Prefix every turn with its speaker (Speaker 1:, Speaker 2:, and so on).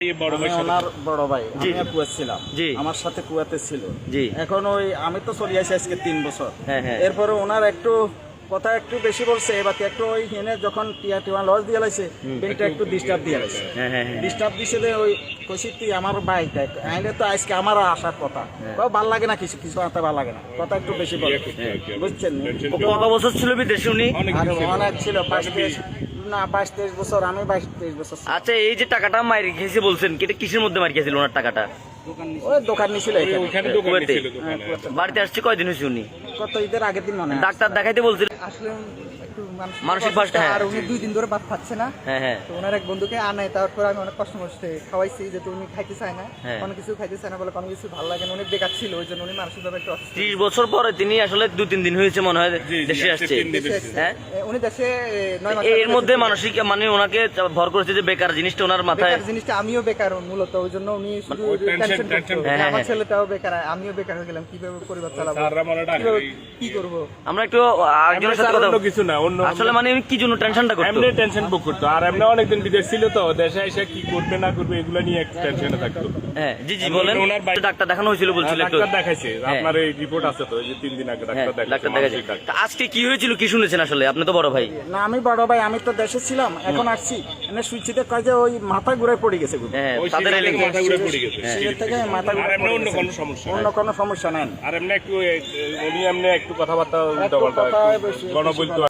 Speaker 1: ওনার বড় ভাই, আমি কুয়েত ছিলাম, আমার সাথে কুয়েতে ছিল। এখন ওই আমি তো চলে আসি আজকে 3 বছর। এরপরে ওনার একটু কথা একটু বেশি বলছে, এবার একটু ওই হেনে যখন টিয়া লস দিয়ে লাইছে পেনটা একটু ডিস্টার্ব দিয়ে লাইছে, ডিস্টার্ব দিছে যে ওই কষিতি আমার বাইকটা আইনে তো আজকে আমার আসার কথা, ভাল লাগে না, কিছু কিছু আনতে ভাল লাগে না, কথা একটু বেশি বলে, বুঝছেন?
Speaker 2: কত বছর ছিল বিদেশে উনি?
Speaker 1: অনেক ছিল, 22-23 বছর, আমি 22-23 বছর।
Speaker 2: আচ্ছা, এই যে টাকাটা মার খেয়েছে বলছেন, এটা কিসের মধ্যে মার খেয়েছিল ওনার টাকাটা?
Speaker 1: ওই দোকান নিছিল,
Speaker 2: বাড়িতে আসছে কয়দিন হয়েছে উনি?
Speaker 1: কত ঈদের আগের দিন মনে হয়।
Speaker 2: ডাক্তার দেখাইতে বলছিল
Speaker 3: আসলে একটু
Speaker 2: মানসিক কষ্ট,
Speaker 3: আর উনি 2 দিন ধরে ভাত খাচ্ছে না। তো ওনার এক বন্ধুকে আনাই, তারপর আমি অনেক কষ্ট মষ্টে খাওয়াইছি, যেহেতু উনি খাইতে চায় না, কোনো কিছু খাইতে চায় না বলে কোনো কিছু ভালো লাগে না, উনি বেকার ছিল, ওই জন্য উনি মানসিকভাবে একটু অসুস্থ।
Speaker 2: 30 বছর পরে তিনি আসলে 2-3 দিন হয়েছে মনে হয় দেশে আসছে। হ্যাঁ,
Speaker 3: উনি দেশে 9 মাস।
Speaker 2: এর মধ্যে মানসিক মানে ওনাকে ভর করেছে যে বেকার জিনিসটা ওনার মাথায়।
Speaker 3: বেকার জিনিসটা আমিও বেকার মূলত, ওই জন্য উনি শুধু টেনশন করতো। আমার ছেলেটাও বেকার, আমিও বেকার হয়ে গেলাম, কিভাবে পরিবার চালাবো, কি করব?
Speaker 2: আমরা একটু একজনের সাথে কথা
Speaker 4: কিছু না, অন্য
Speaker 2: আসলে মানে কি জন্য টেনশনটা করতো?
Speaker 4: এমনি টেনশন বুক করতো, আর এমনি অনেকদিন বিদেশ ছিল তো, দেশে এসে কি করবে না করবে এগুলো নিয়ে একটু টেনশনে থাকতো।
Speaker 2: হ্যাঁ, জি জি বলেন। ডাক্তার দেখানো হয়েছিল বলছিল, একটু
Speaker 4: ডাক্তার দেখাইছে, আপনার এই রিপোর্ট আছে তো, এই যে 3 দিন আগে ডাক্তার দেখাইছে।
Speaker 2: তা আজকে কি হয়েছিল, কি শুনেছেন আসলে? আপনি তো বড় ভাই।
Speaker 1: না, আমি বড় ভাই, আমি তো দেশে ছিলাম, এখন আসছি এনে সুইচিতে কাজে ওই মাথা ঘুরে পড়ে গেছে।
Speaker 2: হ্যাঁ, তাদের
Speaker 4: মাথা ঘুরে পড়ে গেছে,
Speaker 1: সিলেট থেকে মাথা ঘুরে,
Speaker 4: অন্য কোনো সমস্যা,
Speaker 1: অন্য কোনো সমস্যা নেই।
Speaker 4: আর এমনি একটু উনি এমনি একটু কথাবার্তা উল্টা পাল্টা গণ বলতো।